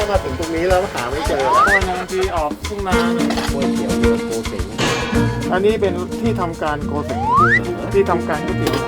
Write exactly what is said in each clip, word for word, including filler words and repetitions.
มาถึงตรงนี้แล้วหาไม่เจอแล้วนานทีออกทุ่งนาก๋วยเตี๋ยวเรือโกเสงอันนี้เป็นที่ทำการโกเสงที่ทำการก๋วยเตี๋ยว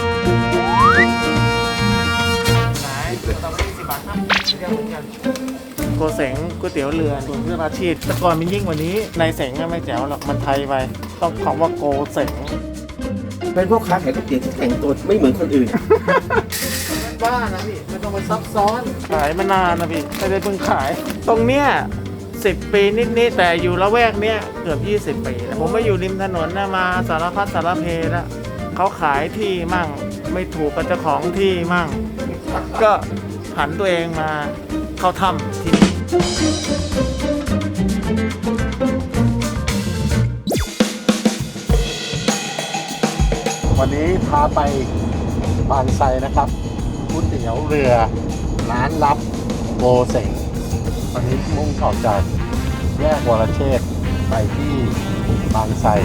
ไหนตอนนี้สิบบาทครับเดียวเหมือนกันโกเสงก๋วยเตี๋ยวเรือส่วนเรื่องอาชีพแต่ก่อนมันยิ่งกว่านี้ในเสงไม่แจ๋วหรอกมันไทยไปต้องคำว่าโกเสงเป็นพ่อค้าขายก๋วยเตี๋ยวที่แต่งตัวไม่เหมือนคนอื่นบ้านะพี่ไม่ต้องไปซับซ้อนขายมานานนะพี่ไม่ได้เพิ่งขาย ตรงเนี้ยสิบปีนิดๆแต่อยู่ละแวกเนี้ยเกือบยี่สิบปีแล้วผมมาอยู่ริมถนนนะมาสารพัดสารเพแล้วเขาขายที่มั่งไม่ถูกกับเจ้าของที่มั่ง ก็ผันตัวเองมาเข้าถ้ำที่นี่วันนี้พาไปบางไทรนะครับก๋วยเตี๋ยวเรือร้านลับโกเสงวันนี้มุ่งออกจากแยกวรเชษฐ์ไปที่บางไทร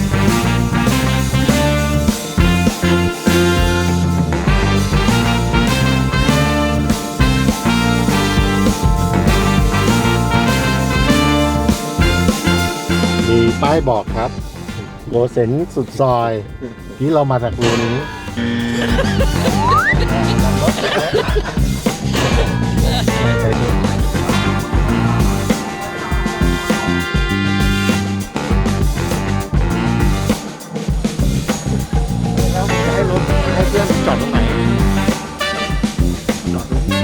มีป้ายบอกครับโกเสงสุดซอยที่เรามาจากรูนี้แล้วจะให้รถให้เพื่อนจอดตรงไหนจอดตรงนี้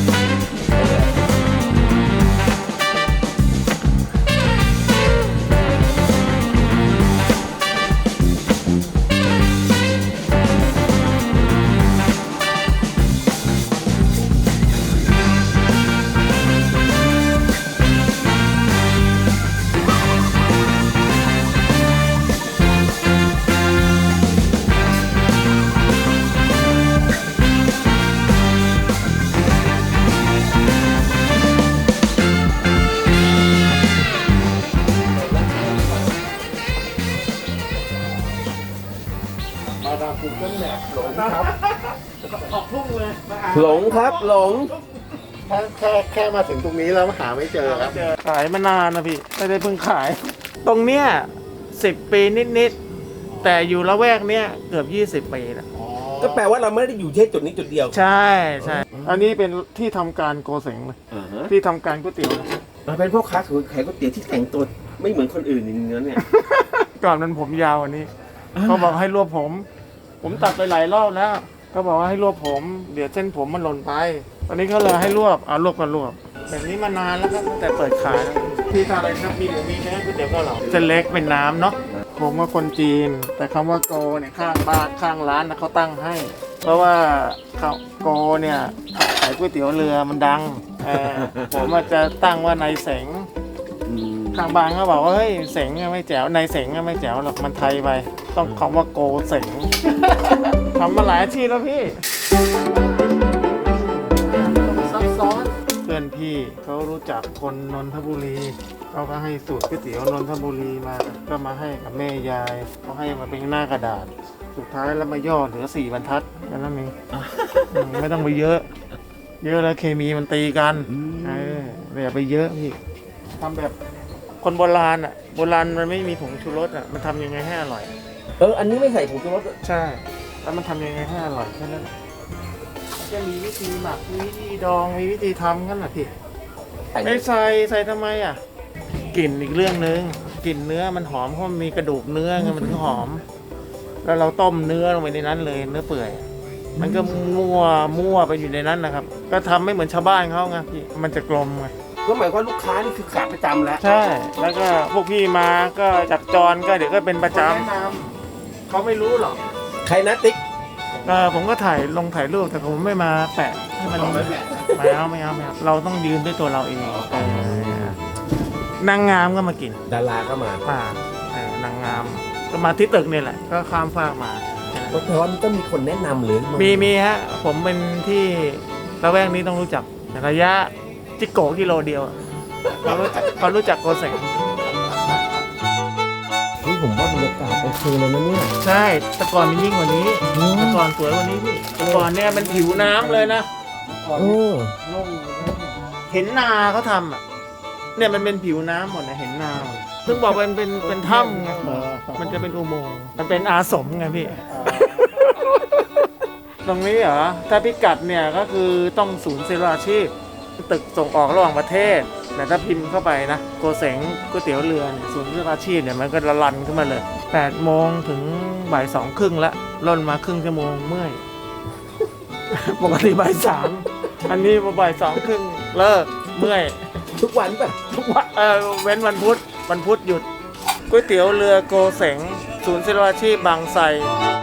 มาดามกูเกิลแมพหลงครับออกทุ่งเลยหลงครับหลงแค่แค่แค่มาถึงตรงนี้แล้วหาไม่เจอครับขายมานานนะพี่ไม่ได้เพิ่งขาย ตรงเนี้ยสิบปีนิดๆแต่อยู่ละแวกเนี้ยเกือบยี่สิบปีแล้วก็แปลว่าเราไม่ได้อยู่แค่จุดนี้จุดเดียวใช่ใช่อันนี้เป็นที่ทำการโกเสงเลยอ่าฮะที่ทำการก๋วยเตี๋ยวเลยเราเป็นพ่อค้าขายก๋วยเตี๋ยวที่แต่งตัวไม่เหมือนคนอื่นอย่างนี้เนี่ยก่อนนั้นผมยาวอันนี้เขาบอกให้รวบผม ผมตัดไปหลายรอบแล้วเขาบอกว่าให้รวบผมเดี๋ยวเส้นผมมันหล่นไปตอนนี้เขาเลยให้รวบเอารวบกันรวบแบบนี้มานานแล้วครับตั้งแต่เปิดขายแล้วที่ทำอะไรครับมีหมูมีแค่ก๋วยเตี๋ยวเกาเหลาเส้นเล็กเป็นน้ำเนาะผมว่าคนจีน แต่คำว่าโกเนี่ยข้างบ้านข้างร้านนะเขาตั้งให้ เพราะว่าเขาโกเนี่ยขายก๋วยเตี๋ยวเรือมันดังเออผมอาจจะตั้งว่านายเสงข้างบ้านเขาบอกว่าเฮ้ยเสงไม่แจ๋วนายเสงไม่แจ๋วหรอกมันไทยไปต้องคำว่าโกเสงทำมาหลายอาชีพแล้วพี่ซับซ้อนเพื่อนพี่เขารู้จักคนนนทบุรีเขาก็ให้สูตรก๋วยเตี๋ยวนนทบุรีมาก็มาให้กับแม่ยายเขาให้มาเป็นหน้ากระดาษสุดท้ายแล้วมาย่อเหลือสี่บรรทัดแค่นั้นเองอืมไม่ต้องไปเยอะ เยอะแล้วเคมีมันตีกันเอออย่าไปเยอะพี่ทำแบบคนโบราณอ่ะโบราณมันไม่มีผงชูรสอ่ะมันทำยังไงให้อร่อยเอออันนี้ไม่ใส่ผงชูรสใช่ แล้วมันทำยังไงให้อร่อยแค่นั้นมันจะมีวิธีหมักมีวิธีดองมีวิธีทำกันนะพี่ไม่ใส่ใส่ทำไมอ่ะกลิ่นอีกเรื่องนึงกลิ่นเนื้อมันหอมเพราะมันมีกระดูกเนื้อไงมันถึงหอม แล้วเราต้มเนื้อลงไปในนั้นเลยเนื้อเปื่อยมันก็มั่วมั่วไปอยู่ในนั้นนะครับก็ทำไม่เหมือนชาวบ้านเขาไงพี่มันจะกลมไงก็หมายความว่าลูกค้านี่คือขาประจำแล้วใช่ แล้วก็พวกพี่มาก็จับจรก็เดี๋ยวก็เป็นประจำเขาไม่รู้หรอกใครนะติ๊กเออผมก็ถ่ายลงถ่ายรูปแต่ผมไม่มาแปะให้มันไม่เอาไม่เอาไม่เอาเราต้องยืนด้วยตัวเราเองเออนางงามก็มากินดาราก็มามาเออนางงามก็มาที่ตึกเนี่ยแหละก็ข้ามฟากมาก็แปลว่ามันต้องมีคนแนะนำหรือมีมีฮะผมเป็นที่ละแวกนี้ต้องรู้จักระยะจิโกกิโลเดียวเขารู้จักเขารู้จักโกเสงนี่ผมว่าบรรยากาศโอเคเลยนะเนี่ยใช่แต่ก่อนมันยิ่งกว่านี้แต่ก่อนสวยกว่านี้พี่แต่ก่อนเนี่ยมันผิวน้ำเลยนะเออนุ่มเทเห็นนาเขาทำอ่ะเนี่ยมันเป็นผิวน้ำหมดนะเห็นนาหมดซึ่งบอกเป็นเป็นเป็นถ้ำไงมันจะเป็นอุโมงค์มันเป็นอาสมไงพี่ ตรงนี้เหรอถ้าพิกัดเนี่ยก็คือต้องศูนย์ศิลปาชีพตึกส่งออกระหว่างประเทศแต่ถ้าพิมพ์เข้าไปนะโกเสงก๋วยเตี๋ยวเรือเนี่ยศูนย์ศิลปาชีพเนี่ยมันก็ระลันขึ้นมาเลยแปดโมงถึงบ่ายสองครึ่งละล่นมาครึ่งชั่วโมงเมื่อย ปกติบ่ายสามอันนี้มาบ่ายสองครึ่งเลิกเมื่อยทุกวันป่ะทุกวันเออเว้นวันพุธวันพุธหยุดก๋วยเตี๋ยวเรือโกเสงศูนย์ศิลปาชีพบางไทร